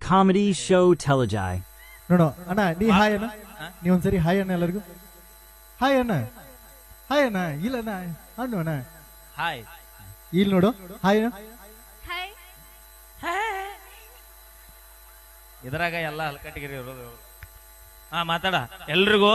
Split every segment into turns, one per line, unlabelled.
comedy show Telejai.
ನೋಡು ಅಣ್ಣ ನೀ ಹಾಯ್ ಅಣ್ಣ ನೀ ಒಂದ್ಸರಿ ಹಾಯ್ ಅಣ್ಣ ಎಲ್ಲರಿಗೂ ಹಾಯ್ ಅಣ್ಣ ಇಲ್ಲ ಅಣ್ಣ ಅಣ್ಣ ಅಣ್ಣ
ಹಾಯ್
ಇಲ್ಲಿ ನೋಡು ಹಾಯ್ ಅಣ್ಣ
ಇದ್ರಾಗ ಎಲ್ಲ ಹಲ್ಕಟ್ಟಿಗಿರಿ ಇರೋದು. ಹಾ ಮಾತಾಡ ಎಲ್ರಿಗೂ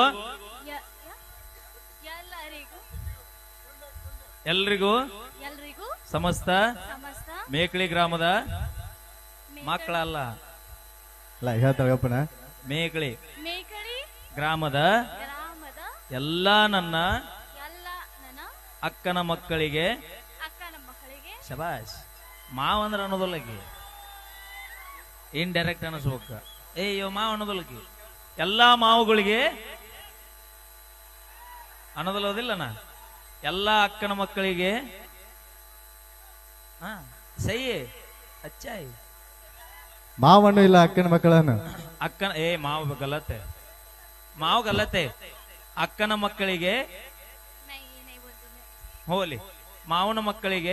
ಎಲ್ರಿಗೂ ಸಮಸ್ತ ಮೇಕಳಿ ಗ್ರಾಮದ ಮಕ್ಕಳಲ್ಲ
ಅಲ್ಲ ಹೇಳ್ತಾಳಪ್ಪಣ
ಮೇಕಳಿ ಗ್ರಾಮದ ಎಲ್ಲಾ ನನ್ನ ಅಕ್ಕನ ಮಕ್ಕಳಿಗೆ ಶಬಾಷ್ ಮಾವ ಅಂದ್ರೆ ಅನ್ನೋದಲ್ಲಕಿ ಇಂಡೈರೆಕ್ಟ್ ಅನಿಸ್ಬೇಕ ಏಯೋ ಮಾವ ಅನ್ನೋದಲ್ಲಕಿ ಎಲ್ಲಾ ಮಾವುಗಳಿಗೆ ಅನ್ನೋದಲ್ಲೋದಿಲ್ಲನ ಎಲ್ಲಾ ಅಕ್ಕನ ಮಕ್ಕಳಿಗೆ ಹಾ ಸೈ ಅಚ್ಚಾಯ್
ಮಾವಣ್ಣು ಇಲ್ಲ ಅಕ್ಕನ ಮಕ್ಕಳನ್ನು
ಅಕ್ಕನ ಮಾವ ಗಲ್ಲತೆ ಅಕ್ಕನ ಮಕ್ಕಳಿಗೆ ಹೋಲಿ ಮಾವನ ಮಕ್ಕಳಿಗೆ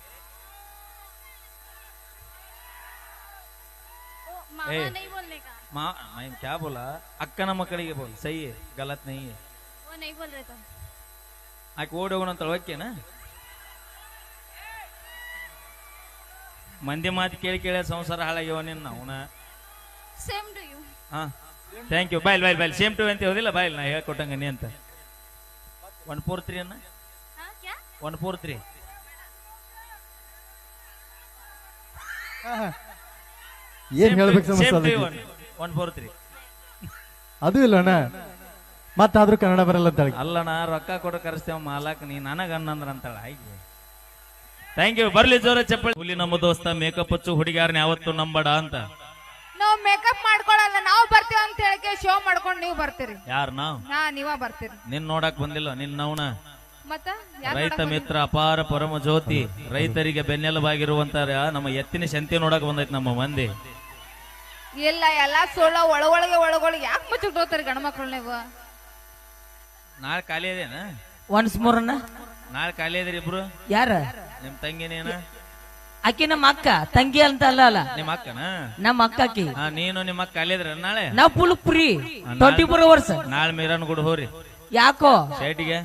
क्या बोला ಅಕ್ಕನ ಮಕ್ಕಳಿಗೆ ಬೋಲ್ ಸೈ ಗಲತ್ ನೈ ಆಕೆ ಓಡಿ ಹೋಗೋಣ ಅಂತ ಓಕೆನಾ ಮಂದಿ ಮಾತು ಕೇಳಿ ಕೇಳಿ ಸಂಸಾರ ಹಾಳಾಗ್ಯವ ನಿನ್ನ ಅವನ ಹಾ thank you bye same to ಅಂತ ಹೋದಿಲ್ಲ ಬಾಯ್ಲ್ ನಾ ಹೇಳ್ಕೊಟ್ಟಂಗ ನೀ ಅಂತ 143 ಅನ್ನ 143
ಏನ್ ಹೇಳ್ಬೇಕು ಸಮಸ್ಯೆ
143
ಅದು ಇಲ್ಲ ಅಣ್ಣ ಮತ್ತಾದ್ರೂ ಕನ್ನಡ ಬರಲ್ಲ ಅಂತ
ಅಲ್ಲಣ್ಣ ರೊಕ್ಕ ಕೊಡ ಕರೆಸ್ತೇವ ಮಾಲಕ್ ನೀ ನನಗ ಅನ್ನಂದ್ರ ಅಂತಾಳ ಹಾಗೆ ಥ್ಯಾಂಕ್ ಯು ಬರ್ಲಿ ಜೋರ ಚಪ್ಪಳಿ ಹುಲಿ ನಮ್ಮ ದೋಸ್ತ ಮೇಕಪ್ ಹಚ್ಚು ಹುಡುಗಾರನ ಯಾವತ್ತು ನಂಬಡ ಅಂತ
ನಾವು ಮೇಕಪ್ ಮಾಡ್ಕೊಳಲ್ಲ ನಾವು ಬರ್ತೀವಿ ಅಂತ ಹೇಳಕ್ಕೆ ಶೋ ಮಾಡ್ಕೊಂಡು ನೀವು ಬರ್ತೀರಿ
ಯಾರು ನಾವು
ನೀವ ಬರ್ತೀರಿ
ನಿನ್ ನೋಡಕ್ ಬಂದಿಲ್ಲ ನಿನ್ ನವನ
ಮತ್ತ
ರೈತ ಮಿತ್ರ ಅಪಾರ ಪರಮ ಜ್ಯೋತಿ ರೈತರಿಗೆ ಬೆನ್ನೆಲುಬಾಗಿರುವಂತ ನಮ್ಮ ಎತ್ತಿನ ಶಂತಿ ನೋಡಕ್ ಬಂದೈತಿ ನಮ್ಮ ಮಂದಿ
ಇಲ್ಲ ಎಲ್ಲಾ ಸೋಳ ಒಳಗೊಳಗೆ ಯಾಕೆ ಮುಚ್ಚಿಟ್ಟೋತಾರ ಗಂಡ್ಮಕ್ಳು ನೀವು
ನಾಳೆ ಖಾಲಿ ಅದೇನ
ಒನ್ಸ್ ಮೋರ್ ಅಣ್ಣ
ನಾಳೆ ಖಾಲಿ ಅದ್ರಿ ಇಬ್ರು
ಯಾರ
ನಿಮ್ ತಂಗಿನೇನ
ಆಕಿ ನಮ್ಮ ಅಕ್ಕ ತಂಗಿ ಅಂತ ಅಲ್ಲ ಅಲ್ಲ
ನಿಮ್ಮ ಅಕ್ಕನ
ನಮ್ಮ ಅಕ್ಕ ಆಕಿ
ನೀನು ನಿಮ್ಮ ಅಕ್ಕ ಖಾಲಿ ಅದ್ರ ನಾಳೆ
ನಾವ್ ಫುಲ್ ಫ್ರೀ 24 ಅವರ್ಸ್
ನಾಳೆ ಮೀರನ್ ಗುಡ್ ಹೋರಿ
ಯಾಕೋ
ಶೇಟಿಗೆ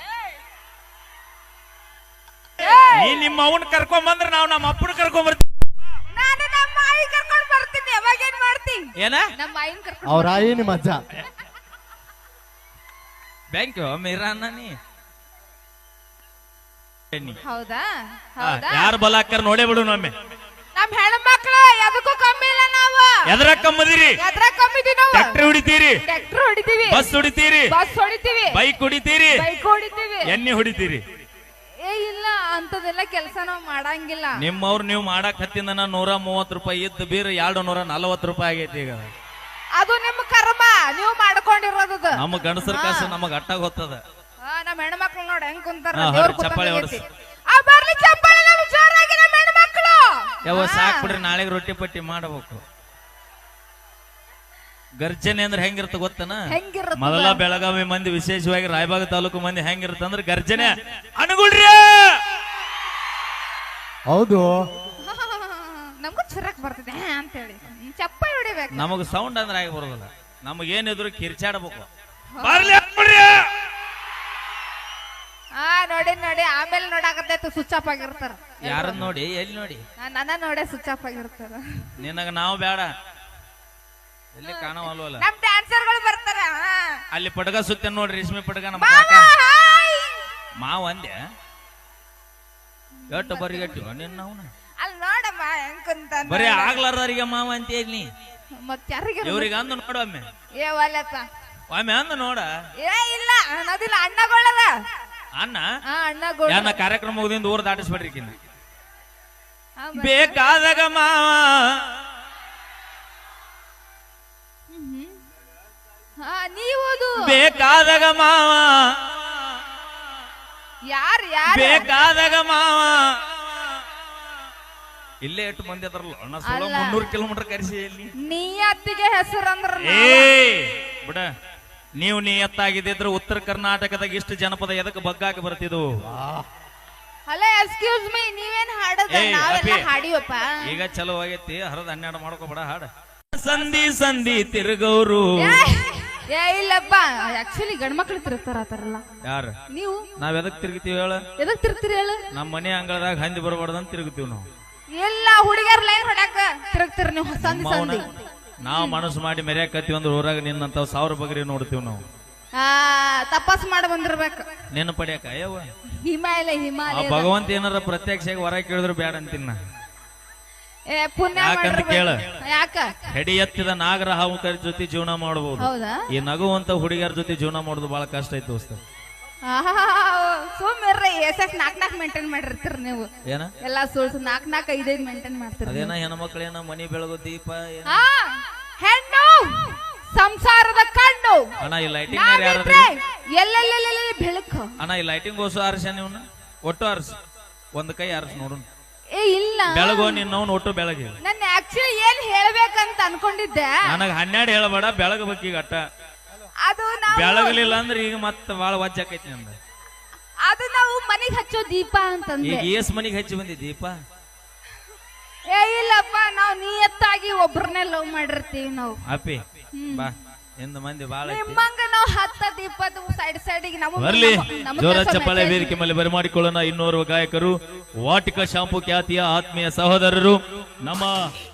ನೀ ನಿಮ್ಮ ಅವನ್ ಕರ್ಕೊಂಡ್ ಬಂದ್ರ ನಾವ್ ನಮ್ಮ ಅಪ್ಪನ ಕರ್ಕೊಂಡ್ ಬರ್ತೀವಿ
ನಾನು ನಮ್ಮ ಆಯಿ ಕರ್ಕೊಂಡು ಬರ್ತೀನಿ ಅವಾಗ ಏನ್ ಮಾಡ್ತೀನಿ
ಏನ
ನಮ್ಮ ಆಯಿನ ಕರ್ಕೊಂಡು
ಅವ್ರ ಆಯಿ ನಿಮ್ಮ ಅಜ್ಜ
ಬ್ಯಾಂಕ್ ಮೀರಾನ ನೀ
ಹೌದಾ ಹೌದಾ
ಯಾರು ಬಲ ಹಾಕ್ಯಾರ ನೋಡೇ ಬಿಡು ನಮ್ಮೆ
ನಮ್ ಹೆಣ್ಮಕ್ಳು ಎದಕ್ಕೂ ಕಮ್ಮಿ ಇಲ್ಲ ನಾವು
ಎದ್ರ ಕಮ್ಮದಿರಿ
ಎದ್ರ ಕಮ್ಮಿದೀವಿ ನಾವು
ಟ್ರ್ಯಾಕ್ಟರ್ ಹೊಡಿತೀರಿ
ಟ್ರ್ಯಾಕ್ಟರ್ ಹೊಡಿತೀವಿ
ಬಸ್ ಹೊಡಿತೀರಿ
ಬಸ್ ಹೊಡಿತೀವಿ
ಬೈಕ್ ಹೊಡಿತೀರಿ
ಬೈಕ್ ಹೊಡಿತೀವಿ
ಎಣ್ಣೆ ಹೊಡಿತೀರಿ
ಇಲ್ಲ ಅಂತದೆಲ್ಲ ಕೆಲಸ ನಾವು ಮಾಡಂಗಿಲ್ಲ
ನಿಮ್ಮವ್ರು ನೀವು ಮಾಡಕ್ ಹತ್ತಿಂದ 130 ರೂಪಾಯಿ ಇದ್ದು ಬೀರ್ 240 ರೂಪಾಯಿ ಆಗೈತಿ ಈಗ
ಅದು ನಿಮ್ಮ ಕರ್ಮ ನೀವು ಮಾಡ್ಕೊಂಡಿರೋದು
ನಮ್ಮ ಗಂಡಸರ ಕಾಸು ನಮಗ ಅಟ್ಟಾಗ ಹೋಗ್ತದ
ನಮ್ಮ ಹೆಣ್ಮಕ್ಳು ನೋಡಿ ಹೆಂಗ್ ಕುಂತಾರ
ಚಪ್ಪಾಳೆ ಹೊಡ್ಸಿ
ಬರ್ಲಿ ಚಪ್ಪಾಳೆ ನಮ್ ಜೋರಾಗಿ ನಮ್ಮ ಹೆಣ್ಮಕ್ಳು
ಯಾವ ಸಾಕ್ ಬಿಡ್ರಿ ನಾಳೆಗೆ ರೊಟ್ಟಿ ಪಟ್ಟಿ ಮಾಡಬೇಕು ಗರ್ಜನೆ ಅಂದ್ರೆ ಹೆಂಗಿರ್ತ ಗೊತ್ತನ ಮೊದಲ ಬೆಳಗಾವಿ ಮಂದಿ ವಿಶೇಷವಾಗಿ ರಾಯಬಾಗ ತಾಲೂಕು ಮಂದಿ ಹೆಂಗಿರುತ್ತ ಅಂದ್ರೆ ಗರ್ಜನೆ ಅನುಗುಳ್ರಿ
ಹೌದು
ನಮಗೂ ಚುರಕ್ ಬರ್ತದೆ ಅಂತ ಹೇಳಿ ಚಪ್ಪಾಳೆ ಹೊಡಿಬೇಕು
ನಮಗ ಸೌಂಡ್ ಅಂದ್ರೆ ಆಗಿ ಬರೋದಿಲ್ಲ ನಮಗೇನಿದ್ರು ಕಿರ್ಚಾಡ್ಬೇಕು
ನೋಡಿ ಆಮೇಲೆ ನೋಡಾಕತ್ತೈತು ಸ್ವಿಚ್ ಆಫ್ ಆಗಿರ್ತಾರ
ಯಾರನ್ನ ನೋಡಿ ಎಲ್ಲಿ ನೋಡಿ
ನನ್ನ ನೋಡೇ ಸ್ವಿಚ್ ಆಫ್ ಆಗಿರ್ತಾರ
ನಿನಗ ನಾವು ಬೇಡ ಎಲ್ಲಿ ಕಾಣವಲ್ವಲ್ಲ
ನಮ್ ಡ್ಯಾನ್ಸರ್ ಗಳು ಬರ್ತಾರ
ಅಲ್ಲಿ ಪಟಗ ಸುತ್ತ ನೋಡ್ರಿ ರೇಷ್ಮೆ ಪಟಗ ನಮ್ಮ ಮಾವ ಅಂದೆ ಎಟ್ಟು ಬರಿಗಟ್ಟು ನಿನ್ನ ಅವನ
ಅಲ್ಲಿ ನೋಡಮ್ಮ ಹೆಂಗ್ ಕುಂತ
ಬರೀ ಆಗ್ಲಾರ್ದವ್ರಿಗೆ ಮಾವ ಅಂತ ಹೇಳಿ
ಮತ್ ಯಾರಿಗೆ
ಇವ್ರಿಗೆ ಅಂದು ನೋಡು ಒಮ್ಮೆ
ಒಲ್ಲಪ್ಪ
ಒಮ್ಮೆ ಅಂದು ನೋಡ
ಇಲ್ಲ ಅನ್ನೋದಿಲ್ಲ ಅಣ್ಣಗಳದ
ಅಣ್ಣ
ಅಣ್ಣಗಳು
ಯಾನ ಕಾರ್ಯಕ್ರಮ ಮುಗಿದಿಂದ ಊರ್ ದಾಟಿಸ್ಬೇಡ್ರಿ ಕಿನ್ನ ಬೇಕಾದಾಗ ಮಾವ
ನೀವುದು
ಬೇಕಾದಾಗ ಮಾವ
ಯಾರು
ಬೇಕಾದಾಗ ಮಾವ ಇಲ್ಲೇ ಎಷ್ಟು ಮಂದಿ ಅದ್ರಲ್ಲ ಅಣ್ಣ 300 ಕಿಲೋಮೀಟರ್ ಕರೆಸಿ ಇಲ್ಲಿ
ನಿಯತ್ತಿಗೆ ಹೆಸರಂದ್ರ
ಬಿಡ ನೀವು ನಿಯತ್ತಾಗಿದ್ದಿದ್ರೆ ಉತ್ತರ ಕರ್ನಾಟಕದಾಗ ಇಷ್ಟು ಜನಪದ ಎದಕ್ಕೆ ಬಗ್ಗಾಕಿ ಬರ್ತಿದ್ವು
ಹಲೋ ಎಕ್ಸ್ಕ್ಯೂಸ್ ಮೀ ನೀವೇನ್ ಹಾಡೋದ
ಏಯ್,
ನಾವೆಲ್ಲ
ಅಪ್ಪಿ.
ಹಾಡಿವಪ್ಪ
ಈಗ ಚಲೋ ಆಗೈತಿ ಹರದ 12 ಮಾಡ್ಕೋಬೇಡ ಹಾಡ ಸಂಧಿ ಸಂಧಿ ತಿರುಗೌರು
ಏ ಇಲ್ಲಪ್ಪ ಆಕ್ಚುಲಿ ಗಂಡ್ಮಕ್ಳು ತಿರುಗ್ತಾರ ಆತರಲ್ಲ
ಯಾರ
ನೀವು
ನಾವ್ ಎದಕ್ ತಿರುಗ್ತೀವಿ ಹೇಳ
ಎದಕ್ ತಿರುಗ್ತೀರಿ ಹೇಳು
ನಮ್ಮ ಮನೆ ಅಂಗಳದಾಗ ಹಂದಿ ಬರಬಾರ್ದಂತ ತಿರುಗ್ತೀವಿ ನಾವು
ಎಲ್ಲ ಹುಡುಗಿಯರ್ ಲೈನ್ ಹೊಡ್ಯಾಕ ತಿರುಗ್ತೀರಿ ನೀವು ಸಂಧಿ
ಮೌನ.
ಸಂಧಿ
ನಾವ್ ಮನಸ್ಸು ಮಾಡಿ ಮೆರ್ಯಾಕತ್ತೀವಿ ಅಂದ್ರೆ ಊರಾಗ ನಿನ್ನಂತ 1000 ಬಗ್ರಿ ನೋಡ್ತೀವಿ ನಾವು
ತಪಾಸ್ ಮಾಡಿ ಬಂದಿರ್ಬೇಕು
ನೆನ ಪಡ್ಯಾಕ ಅಯ್ಯವ್ವ
ಹಿಮಾಲಯ
ಆ
ಹಿಮಾಲಯ
ಭಗವಂತ ಏನಾರ ಪ್ರತ್ಯಕ್ಷವಾಗಿ ಹೊರ ಕೇಳಿದ್ರು ಬ್ಯಾಡ ಅಂತೀನಿ ನಾ
ಏ ಪುಣ್ಯ
ಯಾಕಂತ
ಮಾಡಿರ್ಬೇಕು.
ಕೇಳ.
ಯಾಕ
ಹೆಡಿ ಎತ್ತಿದ ನಾಗರ ಹಾವುಕರ ಜೊತೆ ಜೀವನ ಮಾಡಬಹುದು
ಹೌದಾ
ಈ ನಗುವಂತ ಹುಡುಗಿಯರ ಜೊತೆ ಜೀವನ ಮಾಡೋದು ಬಹಳ ಕಷ್ಟ ಐತಿ ದೋಸ್ತ
ಸುಮ್ಮಿರ್ರಿ ಎಸಕ್ ನಾಕ್ ಮೇಂಟೈನ್ ಮಾಡಿರ್ತೀರಿ ನೀವು
ಏನ
ಎಲ್ಲಾ ಸುಳ್ಸು 4-5 ಮೇಂಟೈನ್ ಮಾಡ್ತೀರಿ
ಅದೇನ ಹೆಣ್ಮಕ್ಳೇನ ಮನಿ ಬೆಳಗು ದೀಪ ಏನ
ಆ, ಹೆಣ್ಣು ಸಂಸಾರದ ಕಣ್ಣು
ಅಣ್ಣ ಈ ಲೈಟಿಂಗ್ ಯಾರು
ನಾವಿದ್ರೆ ಎಲ್ಲೆಲ್ಲೆಲ್ಲೆಲ್ಲಿ ಬೆಳಕು
ಅಣ್ಣ ಈ ಲೈಟಿಂಗ್ ಓಸು ಆರ್ಸ ನೀವ್ನ ಒಟ್ಟು ಆರ್ಸ ಒಂದ್ ಕೈ ಆರ್ಸ ನೋಡು
ಏ ಇಲ್ಲ
ಬೆಳಗೋ ನಿನ್ನವನ್ ಒಟ್ಟು ಬೆಳಗ್ಗೆ
ನನ್ನ ಆಕ್ಚುಲಿ ಏನ್ ಹೇಳ್ಬೇಕಂತ ಅನ್ಕೊಂಡಿದ್ದೆ
ನನಗ 12 ಹೇಳಬೇಡ ಬೆಳಗಬೇಕು ಈಗ ಅಟ್ಟ
ಅದು ನಾವು
ಬೆಳಗಲಿಲ್ಲ ಅಂದ್ರೆ ಈಗ ಮತ್ತ ಬಾಳ ವಜ್ಜಾಕೈತಿ ನಂದ
ಅದು ನಾವು ಮನೆಗ್ ಹಚ್ಚೋ ದೀಪ ಅಂತಂದೆ
ಈಗ ಏಸ್ ಮನಿಗೆ ಹಚ್ಚಿ ಬಂದಿ ದೀಪ
ಏ ಇಲ್ಲಪ್ಪ ನಾವು ನಿಯತ್ತಾಗಿ ಒಬ್ರನ್ನೇ ಲವ್ ಮಾಡಿರ್ತೀವಿ ನಾವು
ಅಪ್ಪಿ ಬಾ ಎಂದ ಮಂದಿ ಬಾಳ ಐತಿ
ನಿಮ್ಮಂಗ ನಾವು 10 ದೀಪದ ಸೈಡ್ ನಮ್ಮ
ಬರ್ಲಿ ಜೋರ ಚಪ್ಪಾಳೆ ವೇದಿಕೆ ಮೇಲೆ ಬರಮಾಡಿಕೊಳ್ಳೋಣ ಇನ್ನೋರ್ವ ಗಾಯಕರು ವಾಟಿಕ ಶಾಂಪು ಖ್ಯಾತಿಯ ಆತ್ಮೀಯ ಸಹೋದರರು ನಮ್ಮ